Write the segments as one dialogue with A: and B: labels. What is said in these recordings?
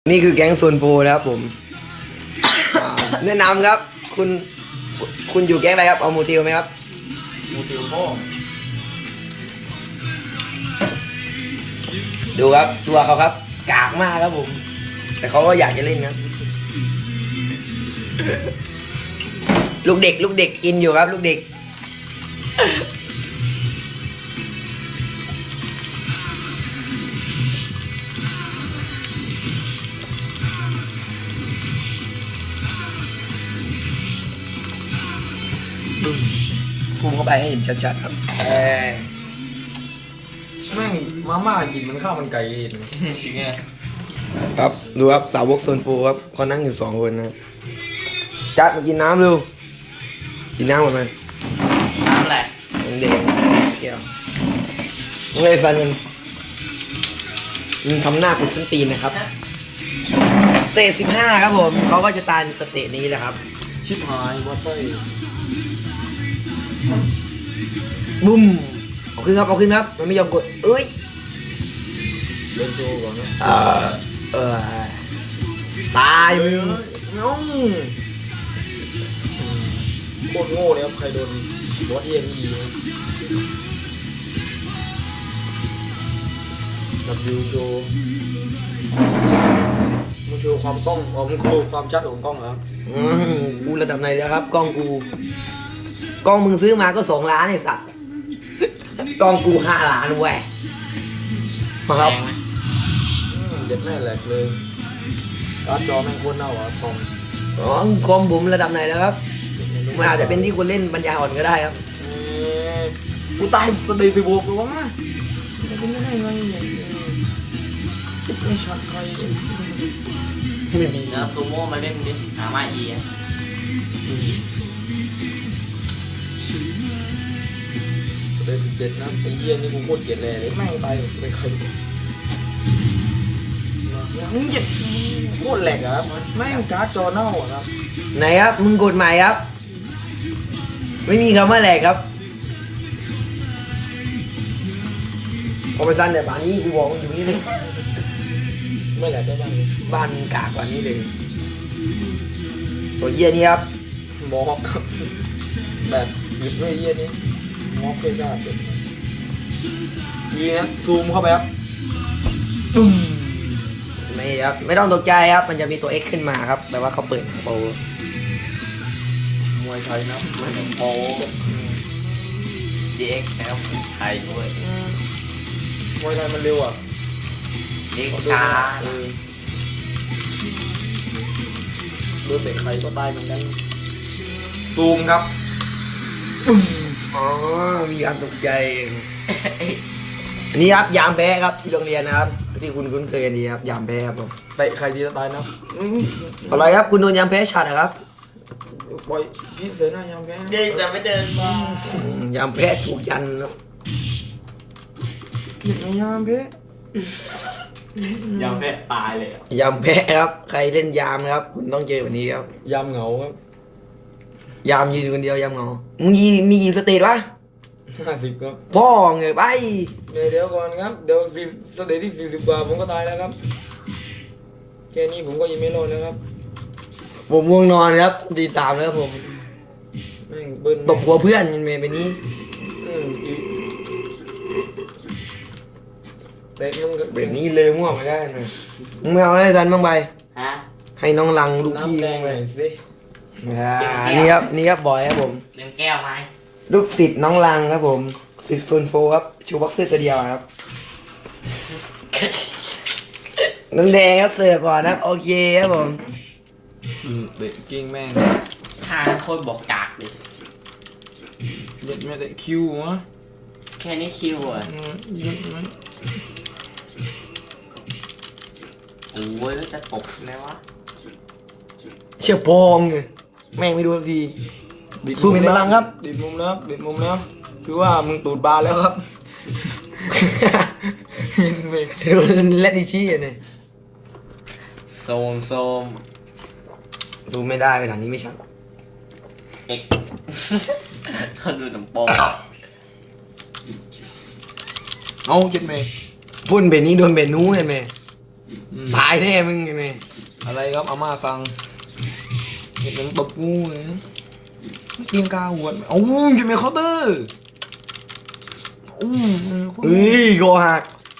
A: นี่คือแก๊งโซนโปรนะครับผมแนะนำครับคุณอยู่แก๊งอะไรครับเอาโมทิวไหมครับ
B: มูติวพ่อ
A: ดูครับตัวเขาครับกากมากครับผมแต่เขาก็อยากจะเล่นครับลูกเด็กอินอยู่ครับลูกเด็กซูมเข้าไปให้เห็นชัดๆครับ
B: แม่งมาม่ากินมันข้าวมันไก่เองจริงไง
A: ครับดูครับสาวกโซนโฟครับเขานั่งอยู่2 คนนะจัดมากินน้ำเร็วกินน้ำหมดไหม
C: น้ำอะไร
A: เด็กแก้วมึงเลยสันมึงทำหน้ากุศลตีนนะครับสเตจ15ครับผมเขาก็จะตายในสเตจนี้แหละครับ
B: ชิบหายวัดไป
A: บุ้มเอาขึ้นครับมันไม่ยอมกดเอ้ย
B: เล่นโชว์ก่อนนะ
A: ตายมึง
B: น้องโคตรโง่เลยครับใครโดนบอสเอ็นอีดับบิวโชว์มึงโชว์ความกล้องมึงโชว์ความชัดของกล้องแล้ว
A: กูระดับไหนแล้วครับกล้องมึงซื้อมาก็2 ล้านไอ้สัตว์กล้องกู5 ล้านแหวะมาครับ
B: เด็ดแม่แหลกเลยการ์ดจอแม่งโคตรเน่าอ่ะ
A: คอมผมระดับไหนแล้วครับมันอาจจะเป็นที่คนเล่นปัญญาอ่อนก็ได้ครับ
B: กูตายสเตย์16เลยวะจะเป็นยังไงไม่ชัดใคร
A: ไม่มี
C: นะซูโม่มาเล่นดิหามาอี
B: สเตย์17นะไอ้เหี้ยนี่กูโคตรเกลียดเลยแม่งตายไปใครมึงเกลียดโคตรแหลกอ่ะครับแม่งการ์ดจอเน่าอ่ะครับ
A: ไหนครับมึงกดใหม่ครับไม่มีคำว่าแหลกครับเอาไปสั้นแต่บ้านนี้กูบอกอยู่นี่เลย
B: ไม่แหลกได้
A: บ้านกากกว่านี้เลยตัวเยี่ยนี่ครับ
B: มอกครับแบบหยุดไม่เยี่ยนี่มอกเคยได้ดีนะซูมเข้าไปครับ
A: ไม่ครับไม่ต้องตกใจครับมันจะมีตัว X ขึ้นมาครับแปลว่าเขาเปิดโปร
B: มวยไทยนะมวยโป
C: DX แล้วไทยด้วย
B: มวยไทยมันเร็วอ่ะ
C: DX ช้า
B: โดนเตะใครก็ตายเหมือนกันซูมครับ
A: อ๋อมีการตกใจอันนี้ครับยามแพ้ครับที่โรงเรียนนะครับที่คุณคุ้นเคยกันดีครับยามแพ้ครับผม
B: เตะใครดีจะตายนะ
A: อะไรครับคุณโดนยามแพ้ฉัดนะครับ
B: ปล่อยพี่เสือหน้ายามแพ้
C: เดินจะไม่เดินม
A: ายามแพ้ถูกยันครับ
B: ยามแพ้
C: ยามแพ้ตายเลย
A: ยามแพ้ครับใครเล่นยามครับคุณต้องเจอแบบนี้ครับ
B: ยามเหงาครับ
A: ยามยืนคนเดียวยามเหงามึงมีกี่สเตจวะ
B: 50ครับ
A: พ่อเงยไป
B: เดี๋ยวก่อนครับเดี๋ยวสเตจที่40 กว่าผมก็ตายแล้วครับแค่นี้ผมก็ยังไม่รอดแล้วครับ
A: ผมง่วงนอนครับตี 3แล้วครับผมตบหัวเพื่อนยันเมย์ไปนี้แบบนี้เลยมั่วไม่ได้นะมึงไม่เอาให้ทันบ้างไปให้น้องลังลูกพี่
B: ไปสิ
A: นี่ครับบอยครับผม
C: เล่นแก้วไหม
A: ลูกศิษย์น้องลังครับผมศิษย์โซนโฟครับชูบ็อกเซอร์ตัวเดียวครับน้ำแดงครับเสิร์ฟก่อนนะโอเคครับผม
B: เด็กกิ้งแม่ง
C: ถ้าโคตรบอกกากเลย
B: เด็ดไม่ได้คิววะ
C: แค่นี้คิวอ่ะโอ้ยแล้วจะตกแล้ววะ
A: เชี่ยพองไงแม่งไม่ดูสักทีสู้เป็นพลังครับ
B: ดิดมุมแล้วคือว่ามึงตูดบานแล้วครับ
A: เห็นไหมดูเล่นดิชี่เนี่ย
C: โซม
A: สู้ไม่ได้ไปทางนี้ไม่ชัด
C: เอ็กเขาดูหนังโป๊
B: เอาเก็บเมย์
A: พุ่นเบนนี้โดนเบนนู้เห็นไหมตายแน่มึงไง
B: อะไรครับอาม่าสั่งเห็นมันตบงูเลยเตียงกาหัวโอ้ยจะมีเคาน์เตอร์
A: เฮ้ยโกหัก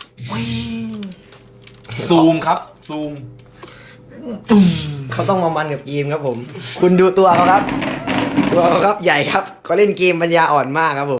B: ซูมครับซูม
A: เขาต้องมามันกับเกมครับผม คุณดูตัวเขาครับ ตัวเขาครับใหญ่ครับเขาเล่นเกมปัญญาอ่อนมากครับผม